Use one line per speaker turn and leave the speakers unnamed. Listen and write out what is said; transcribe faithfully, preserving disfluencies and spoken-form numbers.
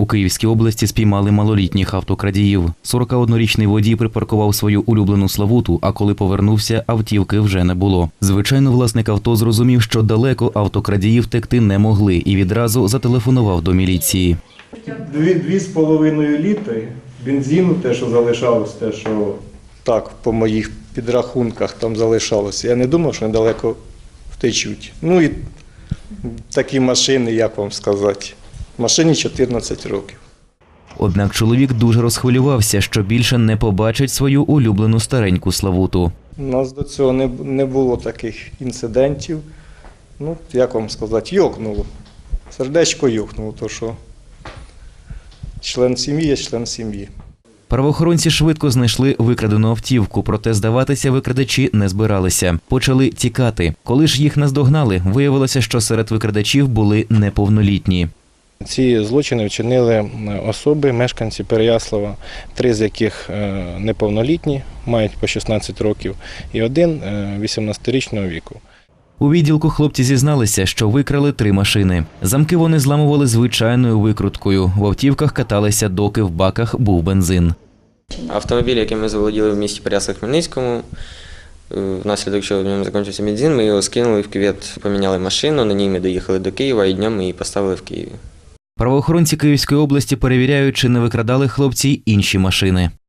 У Київській області спіймали малолітніх автокрадіїв. сорокаоднорічний водій припаркував свою улюблену Славуту, а коли повернувся, автівки вже не було. Звичайно, власник авто зрозумів, що далеко автокрадії втекти не могли і відразу зателефонував до міліції.
Дві, дві з половиною літри бензину, те, що залишалось, те, що так, по моїх підрахунках там залишалося. Я не думав, що недалеко втечуть. Ну і такі машини, як вам сказати, машині чотирнадцять років.
Однак чоловік дуже розхвилювався, що більше не побачить свою улюблену стареньку Славуту.
У нас до цього не, не було таких інцидентів. Ну, як вам сказати, йокнуло. Сердечко йокнуло, то що член сім'ї є член сім'ї.
Правоохоронці швидко знайшли викрадену автівку, проте здаватися викрадачі не збиралися. Почали тікати. Коли ж їх наздогнали, виявилося, що серед викрадачів були неповнолітні.
Ці злочини вчинили особи, мешканці Переяслава, три з яких неповнолітні, мають по шістнадцять років, і один вісімнадцятирічного віку.
У відділку хлопці зізналися, що викрали три машини. Замки вони зламували звичайною викруткою. В автівках каталися, доки в баках був бензин.
Автомобіль, який ми заволоділи в місті Переяслав-Хмельницькому, внаслідок чого в ньому закінчився бензин, ми його скинули в кювет, поміняли машину, на ній ми доїхали до Києва і днем ми її поставили в Києві.
Правоохоронці Київської області перевіряють, чи не викрадали хлопці й інші машини.